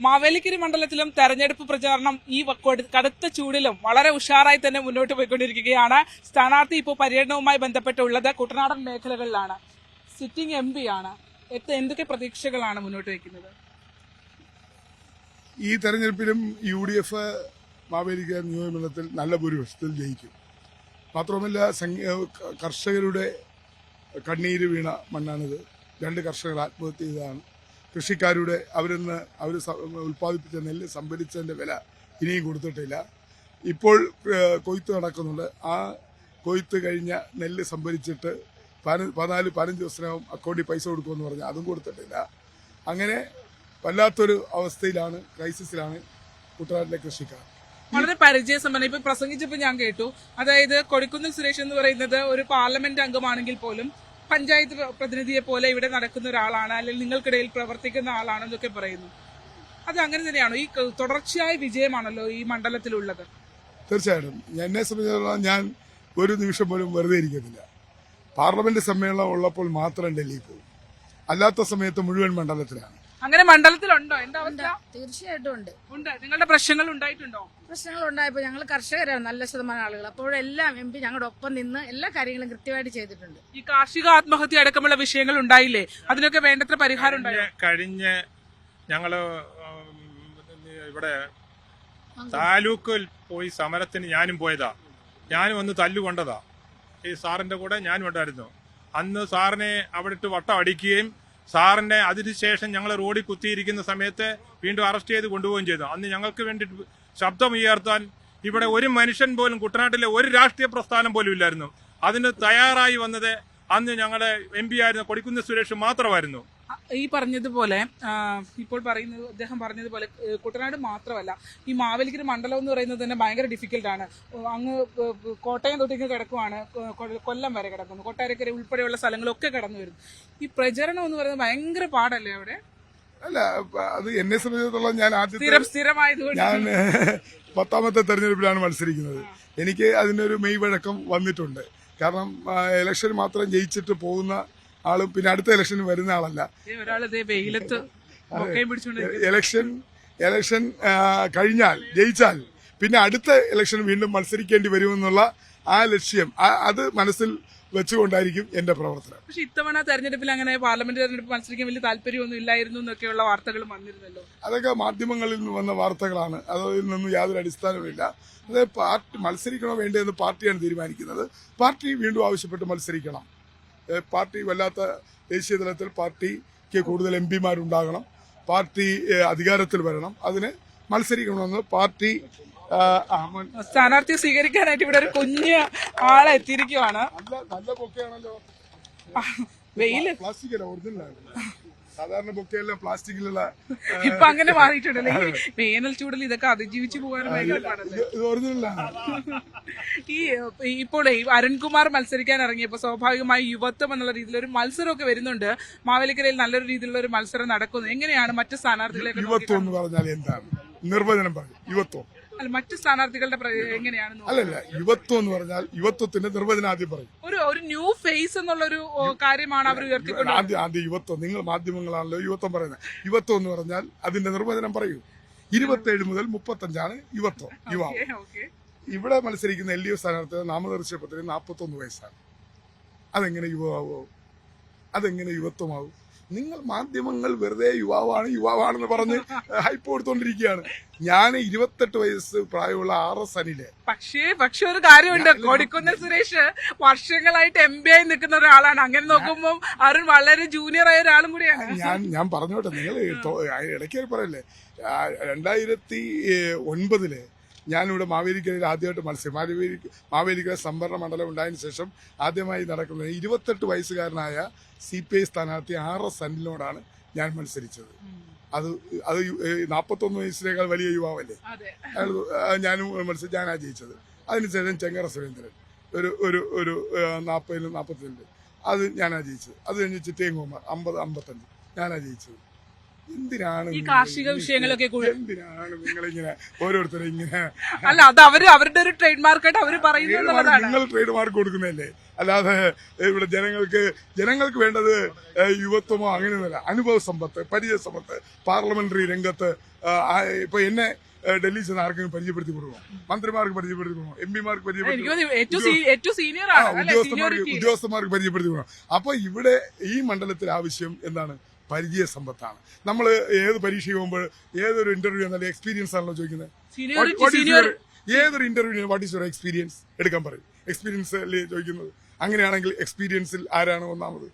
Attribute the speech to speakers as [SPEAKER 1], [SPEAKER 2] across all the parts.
[SPEAKER 1] മാവേലിക്കര മണ്ഡലത്തിലും തെരഞ്ഞെടുപ്പ് പ്രചാരണം ഈ കടുത്ത ചൂടിലും വളരെ ഉഷാറായി തന്നെ മുന്നോട്ട് പോയിക്കൊണ്ടിരിക്കുകയാണ്. സ്ഥാനാർത്ഥി ഇപ്പോൾ പര്യടനവുമായി ബന്ധപ്പെട്ടുള്ളത് കുട്ടനാടൻ മേഖലകളിലാണ്. സിറ്റിംഗ് MP ആണ്. എന്തൊക്കെ പ്രതീക്ഷകളാണ് മുന്നോട്ട് വയ്ക്കുന്നത്?
[SPEAKER 2] ഈ തെരഞ്ഞെടുപ്പിലും UDF മാവേലിക്കര നിയോജകമണ്ഡലത്തിൽ നല്ല ഭൂരിപക്ഷത്തിൽ ജയിക്കും. മാത്രമല്ല കർഷകരുടെ കണ്ണീര് വീണ മണ്ണാണിത്. 2 കർഷകർ ആത്മഹത്യ ചെയ്തതാണ്. കൃഷിക്കാരുടെ അവർ ഉൽപ്പാദിപ്പിച്ച നെല്ല് സംഭരിച്ചതിൻ്റെ വില ഇനിയും കൊടുത്തിട്ടില്ല. ഇപ്പോൾ കൊയ്ത്ത് നടക്കുന്നുണ്ട്. ആ കൊയ്ത്ത് കഴിഞ്ഞ നെല്ല് സംഭരിച്ചിട്ട് 14-15 ദിവസത്തിനകം അക്കൗണ്ടിൽ പൈസ കൊടുക്കുമെന്ന് പറഞ്ഞാൽ അതും കൊടുത്തിട്ടില്ല. അങ്ങനെ വല്ലാത്തൊരു അവസ്ഥയിലാണ്, ക്രൈസിസിലാണ് കുട്ടനാട്ടിലെ കൃഷിക്കാർ.
[SPEAKER 1] വളരെ പരിചയസമ്പന്ന. ഇപ്പൊ പ്രസംഗിച്ചപ്പോൾ ഞാൻ കേട്ടു, അതായത് കൊടിക്കുന്നിൽ സുരേഷ് എന്ന് പറയുന്നത് ഒരു പാർലമെന്റ് അംഗമാണെങ്കിൽ പോലും പഞ്ചായത്ത് പ്രതിനിധിയെ പോലെ ഇവിടെ നടക്കുന്ന ഒരാളാണ്, അല്ലെങ്കിൽ നിങ്ങൾക്കിടയിൽ പ്രവർത്തിക്കുന്ന ആളാണെന്നൊക്കെ പറയുന്നു. അത് അങ്ങനെ തന്നെയാണോ? ഈ തുടർച്ചയായ വിജയമാണല്ലോ ഈ മണ്ഡലത്തിലുള്ളത്.
[SPEAKER 2] തീർച്ചയായിട്ടും എന്നെ സംബന്ധിച്ചിടത്തോളം ഞാൻ ഒരു നിമിഷം പോലും വെറുതെ ഇരിക്കുന്നില്ല. പാർലമെന്റ് സമ്മേളനം ഉള്ളപ്പോൾ മാത്രം ഡൽഹിയിൽ പോകും, അല്ലാത്ത സമയത്ത് മുഴുവൻ മണ്ഡലത്തിലാണ്.
[SPEAKER 1] അങ്ങനെ മണ്ഡലത്തിലുണ്ടോ? എന്താ അവസ്ഥ?
[SPEAKER 3] തീർച്ചയായിട്ടും ഉണ്ട്.
[SPEAKER 1] നിങ്ങളുടെ പ്രശ്നങ്ങൾ ഉണ്ടായിട്ടുണ്ടോ?
[SPEAKER 3] പ്രശ്നങ്ങൾ ഉണ്ടായപ്പോൾ ഞങ്ങൾ കർഷകരാണ് നല്ല ശതമാനം ആളുകൾ. അപ്പോഴെല്ലാം MP ഞങ്ങളുടെ ഒപ്പം നിന്ന് എല്ലാ കാര്യങ്ങളും കൃത്യമായിട്ട് ചെയ്തിട്ടുണ്ട്.
[SPEAKER 1] ഈ കാർഷിക ആത്മഹത്യ അടക്കമുള്ള വിഷയങ്ങൾ ഉണ്ടായില്ലേ? അതിനൊക്കെ വേണ്ടത്ര പരിഹാരം ഉണ്ടായോ?
[SPEAKER 4] കഴിഞ്ഞ ഞങ്ങള് ഇവിടെ താലൂക്കിൽ പോയി സമരത്തിന് ഞാനും പോയതാ. ഞാനും ഒന്ന് തല്ലുകൊണ്ടതാ. ഈ സാറിന്റെ കൂടെ ഞാനും ഉണ്ടായിരുന്നു. അന്ന് സാറിനെ അവിടെ ഇട്ട് വട്ടം അടിക്കുകയും സാറിന്റെ അതിനുശേഷം ഞങ്ങൾ റോഡിൽ കുത്തിയിരിക്കുന്ന സമയത്ത് വീണ്ടും അറസ്റ്റ് ചെയ്ത് കൊണ്ടുപോവുകയും ചെയ്തു. അന്ന് ഞങ്ങൾക്ക് വേണ്ടി ശബ്ദമുയർത്താൻ ഇവിടെ ഒരു മനുഷ്യൻ പോലും, കുട്ടനാട്ടിലെ ഒരു രാഷ്ട്രീയ പ്രസ്ഥാനം പോലും ഇല്ലായിരുന്നു. അതിന് തയ്യാറായി വന്നത് അന്ന് ഞങ്ങളുടെ MP ആയിരുന്ന കൊടിക്കുന്നിൽ സുരേഷ് മാത്രമായിരുന്നു.
[SPEAKER 1] ഈ പറഞ്ഞതുപോലെ ഇപ്പോൾ പറയുന്നത് അദ്ദേഹം പറഞ്ഞതുപോലെ കുട്ടനാട് മാത്രമല്ല, ഈ മാവേലിക്കര മണ്ഡലം എന്ന് പറയുന്നത് തന്നെ ഭയങ്കര ഡിഫിക്കൽട്ടാണ്. അങ്ങ് കോട്ടയം തൊട്ടിങ്ങ് കിടക്കുവാണ്, കൊല്ലം വരെ കിടക്കുന്നു, കൊട്ടാരക്കര ഉൾപ്പെടെയുള്ള സ്ഥലങ്ങളൊക്കെ കടന്നു വരുന്നു. ഈ പ്രചരണം എന്ന് പറയുന്നത് ഭയങ്കര പാടല്ലേ അവിടെ?
[SPEAKER 2] അല്ല, അത് എന്നെ സംബന്ധിച്ചിടത്തോളം ഞാൻ
[SPEAKER 1] സ്ഥിരമായതുകൊണ്ട്
[SPEAKER 2] ഞാൻ 10ാമത്തെ തെരഞ്ഞെടുപ്പിലാണ് മത്സരിക്കുന്നത്. എനിക്ക് അതിനൊരു മെയ്വഴക്കം വന്നിട്ടുണ്ട്. കാരണം ഇലക്ഷൻ മാത്രം ജയിച്ചിട്ട് പോകുന്ന ആളും പിന്നെ അടുത്ത ഇലക്ഷന് വരുന്ന ആളല്ല. ഇലക്ഷൻ കഴിഞ്ഞാൽ ജയിച്ചാൽ പിന്നെ അടുത്ത ഇലക്ഷൻ വീണ്ടും മത്സരിക്കേണ്ടി വരുമെന്നുള്ള ആ ലക്ഷ്യം അത് മനസ്സിൽ വെച്ചുകൊണ്ടായിരിക്കും എന്റെ പ്രവർത്തനം.
[SPEAKER 1] പക്ഷെ ഇത്തവണ തെരഞ്ഞെടുപ്പിൽ അങ്ങനെ പാർലമെന്റ് തെരഞ്ഞെടുപ്പ് മത്സരിക്കാൻ വലിയ താല്പര്യമൊന്നും ഇല്ലായിരുന്നു എന്നൊക്കെയുള്ള വാർത്തകൾ വന്നിരുന്നല്ലോ.
[SPEAKER 2] അതൊക്കെ മാധ്യമങ്ങളിൽ നിന്ന് വന്ന വാർത്തകളാണ്. അതിൽ നിന്നും യാതൊരു അടിസ്ഥാനവുമില്ല. അത് പാർട്ടി മത്സരിക്കണോ വേണ്ടതെന്ന് പാർട്ടിയാണ് തീരുമാനിക്കുന്നത്. പാർട്ടി വീണ്ടും ആവശ്യപ്പെട്ട് മത്സരിക്കണം. പാർട്ടി വല്ലാത്ത ദേശീയ തലത്തിൽ പാർട്ടിക്ക് കൂടുതൽ MP മാരുണ്ടാകണം, പാർട്ടി അധികാരത്തിൽ വരണം, അതിന് മത്സരിക്കണമെന്ന് പാർട്ടി
[SPEAKER 1] സ്ഥാനാർത്ഥിയെ സ്വീകരിക്കാനായിട്ട് ഇവിടെ ഒരു കുഞ്ഞ് ആളെ എത്തിയിരിക്കുവാണ്.
[SPEAKER 2] നല്ല ബൊക്കെയാണല്ലോ.
[SPEAKER 1] വെയില്
[SPEAKER 2] പ്ലാസ്റ്റിക് ഒറിജിനലാണ്. സാധാരണ ബൊക്കെയെല്ലാം പ്ലാസ്റ്റിക്കിലുള്ള.
[SPEAKER 1] ഇപ്പൊ അങ്ങനെ മാറിയിട്ടുണ്ടല്ലോ. ഈ വേനൽ ചൂടിൽ ഇതൊക്കെ അതിജീവിച്ചു പോകാനും
[SPEAKER 2] ഇത് ഒറിജിനലാണ്.
[SPEAKER 1] ഇപ്പോൾ അരുൺകുമാർ മത്സരിക്കാൻ ഇറങ്ങിയപ്പോ സ്വാഭാവികമായി യുവത്വം എന്നുള്ള രീതിയിൽ ഒരു മത്സരമൊക്കെ വരുന്നുണ്ട്. മാവേലിക്കരയിൽ നല്ലൊരു രീതിയിലുള്ള ഒരു മത്സരം നടക്കുന്നു. എങ്ങനെയാണ് മറ്റ് സ്ഥാനാർത്ഥികളെ?
[SPEAKER 2] യുവത്വം എന്ന് പറഞ്ഞാൽ എന്താണ്? നിർവചനം പറയും. യുവത്വം
[SPEAKER 1] അല്ല, മറ്റ് സ്ഥാനാർത്ഥികളുടെ എങ്ങനെയാണ്?
[SPEAKER 2] അല്ലല്ല, യുവത്വം എന്ന് പറഞ്ഞാൽ യുവത്വത്തിന്റെ നിർവചനം ആദ്യം പറയും.
[SPEAKER 1] ഒരു ന്യൂ ഫേസ് എന്നുള്ളൊരു കാര്യമാണ് അവർ ഉയർത്തിക്കൊണ്ട്.
[SPEAKER 2] ആദ്യം യുവത്വം. നിങ്ങൾ മാധ്യമങ്ങളാണല്ലോ യുവത്വം പറയുന്നത്. യുവത്വം എന്ന് പറഞ്ഞാൽ അതിന്റെ നിർവചനം പറയൂ. 27 മുതൽ 35 യുവത്വം, യുവാവ്. ഇവിടെ മത്സരിക്കുന്ന LDF സ്ഥാനാർത്ഥി നാമനിർദ്ദേശ പത്രിക 41 വയസ്സാണ്. അതെങ്ങനെ യുവാവോ? അതെങ്ങനെ യുവത്വമാവും? നിങ്ങൾ മാധ്യമങ്ങൾ വെറുതെ യുവാവാണെന്ന് പറഞ്ഞ് ഹൈപ്പ് കൊടുത്തോണ്ടിരിക്കുകയാണ്. ഞാൻ 28 വയസ്സ് പ്രായമുള്ള RS അനില്.
[SPEAKER 1] പക്ഷേ ഒരു കാര്യമുണ്ട്, കൊടിക്കുന്നിൽ സുരേഷ് വർഷങ്ങളായിട്ട് MP ആയി നിൽക്കുന്ന ഒരാളാണ്. അങ്ങനെ നോക്കുമ്പോൾ അരുൺ വളരെ ജൂനിയർ ആയ ഒരാളും കൂടിയാണ്.
[SPEAKER 2] ഞാൻ പറഞ്ഞോട്ടെ, നിങ്ങൾ ഇടയ്ക്ക് പറയല്ലേ, 2009 ഞാനിവിടെ മാവേലിക്കരയിൽ ആദ്യമായിട്ട് മത്സരം, മാവേലിക്കര സംവരണ മണ്ഡലം ഉണ്ടായതിനു ശേഷം ആദ്യമായി നടക്കുന്നത് 28 വയസ്സുകാരനായ CPI സ്ഥാനാർത്ഥി RS അനിലിനോടാണ് ഞാൻ മത്സരിച്ചത്. അത് 41 വയസ്സിനേക്കാൾ വലിയ യുവാവല്ലേ. ഞാനും ഞാനാ ജയിച്ചത്. അതിനുശേഷം ചെങ്ങറ സുരേന്ദ്രൻ ഒരു 40-45 അത് ഞാനാ ജയിച്ചത്. അത് കഴിഞ്ഞ് ചിറ്റയൻകുമാർ 50-55 ഞാനാ ജയിച്ചത്. എന്തിനാണ്
[SPEAKER 1] ഈ കാർഷിക വിഷയങ്ങളൊക്കെ
[SPEAKER 2] എന്തിനാണ് നിങ്ങളിങ്ങനെ ഓരോരുത്തരും ഇങ്ങനെ?
[SPEAKER 1] അല്ല, അത് അവരുടെ ഒരു ട്രേഡ് മാർക്കായിട്ട് അവർ പറയുന്നത്.
[SPEAKER 2] നിങ്ങൾ ട്രേഡ് മാർക്ക് കൊടുക്കുന്നതല്ലേ? അല്ലാതെ ഇവിടെ ജനങ്ങൾക്ക് വേണ്ടത് യുവത്വമോ അങ്ങനെയൊന്നുമല്ല. അനുഭവ സമ്പത്ത്, പരിചയ സമ്പത്ത്, പാർലമെന്ററി രംഗത്ത് ഇപ്പൊ എന്നെ ഡൽഹി ചെന്ന് ആർക്കെങ്കിലും പരിചയപ്പെടുത്തി കൊടുക്കണം, മന്ത്രിമാർക്ക് പരിചയപ്പെടുത്തി കൊടുക്കണം, എംപിമാർക്ക് ഉദ്യോഗസ്ഥന്മാർക്ക് പരിചയപ്പെടുത്തി കൊടുക്കണം. അപ്പൊ ഇവിടെ ഈ മണ്ഡലത്തിൽ ആവശ്യം എന്താണ്? പരിചയ സമ്പത്താണ്. നമ്മൾ ഏത് പരീക്ഷ പോകുമ്പോൾ ഏതൊരു ഇന്റർവ്യൂ എന്നാലും എക്സ്പീരിയൻസ് ആണല്ലോ ചോദിക്കുന്നത്. ഏതൊരു interview what is your experience എടുക്കാൻ പറയും. എക്സ്പീരിയൻസ് അല്ലേ ചോദിക്കുന്നത്. അങ്ങനെയാണെങ്കിൽ എക്സ്പീരിയൻസിൽ ആരാണ് ഒന്നാമത്?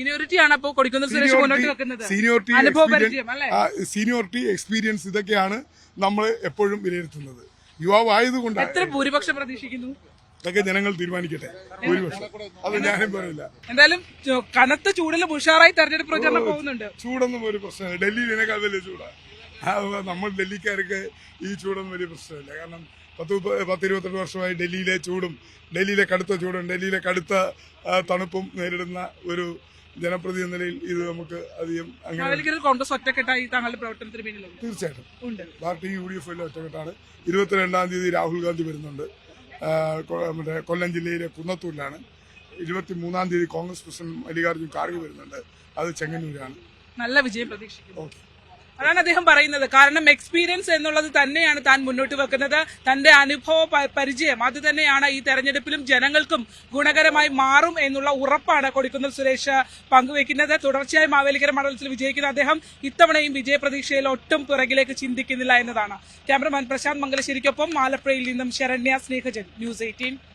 [SPEAKER 2] സീനിയോറിറ്റി, എക്സ്പീരിയൻസ് ഇതൊക്കെയാണ് നമ്മൾ എപ്പോഴും വിലയിരുത്തുന്നത്. യുവാവ് ആയതുകൊണ്ട്
[SPEAKER 1] ഭൂരിപക്ഷം പ്രതീക്ഷിക്കുന്നു.
[SPEAKER 2] ഇതൊക്കെ ജനങ്ങൾ തീരുമാനിക്കട്ടെ. ഭൂരിപക്ഷം അത് ഞാനും പറയില്ല.
[SPEAKER 1] എന്തായാലും കനത്ത ചൂടിലും ഉഷാറായി തെരഞ്ഞെടുപ്പ് പ്രചാരണം പോകുന്നുണ്ട്.
[SPEAKER 2] ചൂടൊന്നും ഒരു പ്രശ്നമില്ല. ഡൽഹിയിലേക്കാൾ വലിയ ചൂടാണ്. നമ്മൾ ഡൽഹിക്കാർക്ക് ഈ ചൂടൊന്നും വലിയ പ്രശ്നമില്ല. കാരണം 10-28 വർഷമായി ഡൽഹിയിലെ ചൂടും, ഡൽഹിയിലെ കടുത്ത ചൂടും, ഡൽഹിയിലെ കടുത്ത തണുപ്പും നേരിടുന്ന ഒരു ജനപ്രതിനിധി നിലയിൽ ഇത് നമുക്ക് അധികം അങ്ങനെ
[SPEAKER 1] കോൺഗ്രസ് ഒറ്റക്കെട്ടായി താങ്കളുടെ പ്രവർത്തനത്തിന് പിന്നിലുണ്ട്.
[SPEAKER 2] തീർച്ചയായിട്ടും പാർട്ടി UDF ഒറ്റക്കെട്ടാണ്. 22-ാം തീയതി രാഹുൽ ഗാന്ധി വരുന്നുണ്ട്. മറ്റേ കൊല്ലം ജില്ലയിലെ കുന്നത്തൂരിലാണ്. 23-ാം തീയതി കോൺഗ്രസ് പ്രസിഡന്റ് മല്ലികാർജ്ജുൻ ഖാർഗെ വരുന്നുണ്ട്. അത് ചെങ്ങന്നൂരാണ്.
[SPEAKER 1] നല്ല വിജയം പ്രതീക്ഷിക്കുന്നു. അതാണ് അദ്ദേഹം പറയുന്നത്. കാരണം എക്സ്പീരിയൻസ് എന്നുള്ളത് തന്നെയാണ് താൻ മുന്നോട്ട് വെക്കുന്നത്. തന്റെ അനുഭവ പരിചയം അത് തന്നെയാണ് ഈ തെരഞ്ഞെടുപ്പിലും ജനങ്ങൾക്കും ഗുണകരമായി മാറും എന്നുള്ള ഉറപ്പാണ് കൊടിക്കുന്നിൽ സുരേഷ് പങ്കുവെക്കുന്നത്. തുടർച്ചയായി മാവേലിക്കര മണ്ഡലത്തിൽ വിജയിക്കുന്ന അദ്ദേഹം ഇത്തവണയും വിജയപ്രതീക്ഷയിൽ ഒട്ടും പിറകിലേക്ക് ചിന്തിക്കുന്നില്ല എന്നതാണ്. ക്യാമറമാൻ പ്രശാന്ത് മംഗലശ്ശേരിക്കൊപ്പം ആലപ്പുഴയിൽ നിന്നും ശരണ്യ സ്നേഹജൻ, ന്യൂസ് 18.